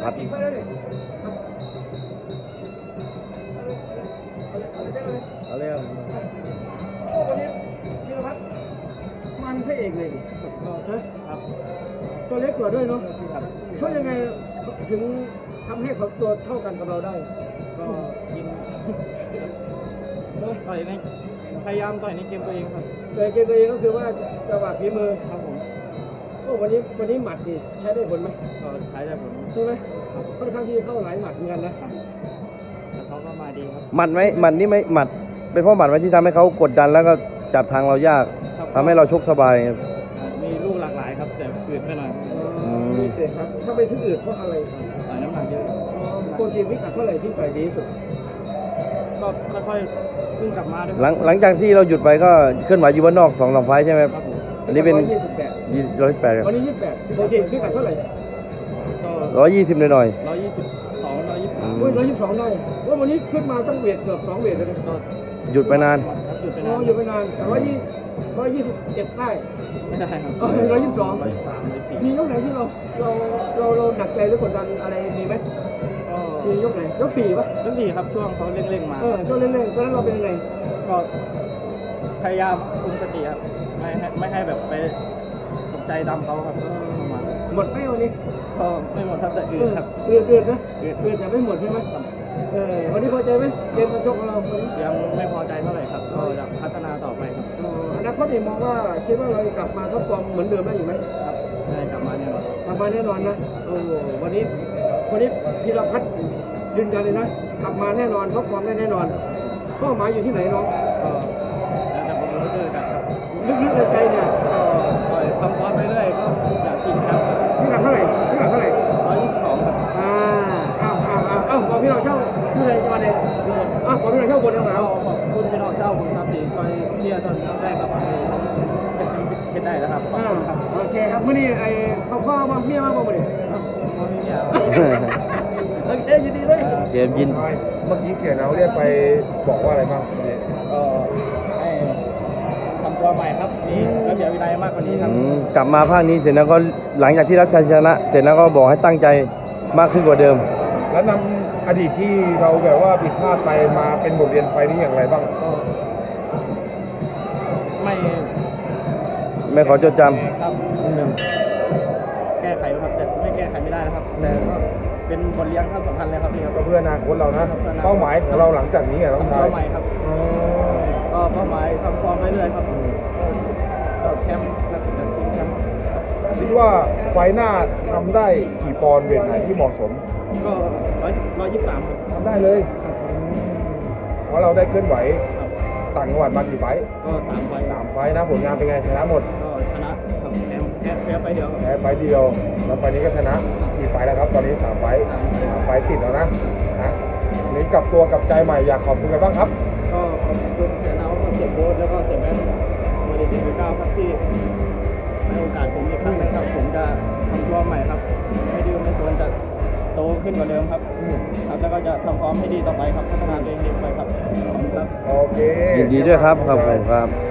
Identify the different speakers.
Speaker 1: พัดเอาเลยครับ
Speaker 2: โอ้วันนี้พีรพัฒน์มันพระเอกเลยดิครับตัวเล็กกว่าด้วยเนาะช่วยยังไงถึงทำให้เขาตัวเท่ากันกับเราได้ก็ยิงต่อยในพยายามต่อยในเกมตัวเองครับแต่เกมตัวเองก็คือว่าจังหวะฝีมือครับผมโอ้วันนี้หมัดนี่ใช้ได้ผลไหมก็ใช้ได้ผลใช่ไหมค่อนข้างที่เข้าหลายหมัดเหมือนกันนะแต่เขาก็มาดีครับ
Speaker 1: หมัดไหมหมัดนี่ไหมหมัดเป็นเพราะหมัดไหมที่ทำให้เขากดดันแล้วก็จับทางเรายากทำให้เราชกสบายครับ
Speaker 2: มีลูกหลากหลายครับแต่อืดไปหน่อยมีเตะครับถ้าไปที่อื่นเพราะอะไรต่อยน้ำหนักเยอะโปรตีนพิกัดเท่าไหร่ที่ต่อยดีที่สุดก็ค่อยๆเพิ่งกลับมาด้วย
Speaker 1: หลังจากที่เราหยุดไปก็เคลื่อนไหวอยู่บ้านนอก2-3 ไฟล์ใช่ไหมครับอันนี้เป็น128
Speaker 2: วันนี้28โปรตีนพิกัดเท่าไหร่
Speaker 1: 120หน่อย
Speaker 2: 122ได้ว่าวันนี้ขึ้นมาต้องเวทเกือบ2เวทเลย
Speaker 1: หยุดไปนาน
Speaker 2: หยุดไปนานแต่121ได้ไม่ได้ครับ122มียกไหนที่เราหนักใจหรือกดดันอะไรมีไหมมียกไหนยก4ป่ะยก4ครับช่วงเขาเร่งๆมาช่วงเร่งๆตอนนั้นเราเป็นยังไงก็พยายามคุมสติครับไม่ให้แบบไปตกใจดำเขาครับหมดไหมวันนี้ก็ไม่หมดครับแต่อืดครับอืดนะอืดแต่ไม่หมดใช่ไหมวันนี้พอใจไหมเกมการชกของเรายังไม่พอใจเท่าไหร่ครับก็จะพัฒนาต่อไปครับอนาคตนี่มองว่าคิดว่าเราจะกลับมาท็อปฟอร์มเหมือนเดิมได้อยู่ไหมครับได้กลับมาแน่นอนนะโอ้วันนี้พีรพัฒน์ยืนยันเลยนะกลับมาแน่นอนท็อปฟอร์มได้แน่นอนเป้าหมายอยู่ที่ไหนน้องก็แล้วแต่ผมรู้ด้วยกันครับลึกๆในใจเนี่ยทำฟอร์มไปเรื่อยก็อยากชิงแชมป์พี่กัดเท่าไหร่122ครับบอกพี่น้องเช่าผู้ใดจังหวัดไหนบอกพี่น้องเช่าบนจังหวัดเราขอบคุณพี่น้องเช่าบุญครับที่ช่วยเชียร์ตอนแรกครับเห็นได้แล้วครับโอเคครับเมื่อนี้เขาพ่อมาเมียมาบอกมาดิมาเมียโอเคยินดีเลย
Speaker 1: เสียยิน
Speaker 3: เมื่อกี้เสียเราเรียกไปบอกว่าอะไรบ้าง
Speaker 2: ก็ให้ทำตัวใหม่ครับนี่ระเบียบวินัยมากกว่านี้ครับ
Speaker 1: กลับมาภาคนี้เสร็จแล้วก็หลังจากที่รับชัยชนะเสร็จแล้วก็บอกให้ตั้งใจมากขึ้นกว่าเดิม
Speaker 3: แล้วนำอดีตที่เราแบบว่าผิดพลาดไปมาเป็นบทเรียนไฟนี้อย่างไรบ้าง
Speaker 2: ก็
Speaker 1: ไม่ขอจดจ
Speaker 2: ำครับแก้ไขครับแต่ไม่แก้ไขไม่ได้นะครับแต่เป็นบทเรียนขั้นสำคัญเลยครับพี่ครับ
Speaker 3: ก็เพื่ออนาคตเรานะเป้าหมายของเราหลังจากนี้ต้องทำ
Speaker 2: เป้าหมายครับก็เป้าหมายทำฟอร์มไปเรื่อยครับก็แชมป์และถึงทีมแชมป์
Speaker 3: คิดว่าไฟหน้าทำได้กี่ปอนด์เวทไหนที่เหมาะสม
Speaker 2: ก็123ครับ
Speaker 3: ทำได้เลยเพราะเราได้เคลื่อนไหวต่างจังหวัดมากี่ไฟ
Speaker 2: ก็3 ไฟ
Speaker 3: นะผลงานเป็นไงชนะหมด
Speaker 2: ก็ชนะครับแพ้ไปเดียว
Speaker 3: แล้วไฟนี้ก็ชนะกี่ไฟแล้วครับตอนนี้3 ไฟติดแล้วนะนี่กลับตัวกับใจใหม่อยากขอบคุณกันบ้างครับ
Speaker 2: ก็ขอบคุณเสียเนาเสียโบ๊ทแล้วก็เสียแม่มาดีที่9ครับที่ให้โอกาสผมอีกครั้งนึงครับผมจะทำตัวใหม่ครับไม่ดื้อไม่สนจะโตขึ้นกว่าเดิมครับแล้วก็จะทำพร้อมให้ดีต่อไปครับพัฒนาตัวเองดีไปครับ
Speaker 3: โอเค
Speaker 1: ยินดีด้วยครับขอบคุณครับ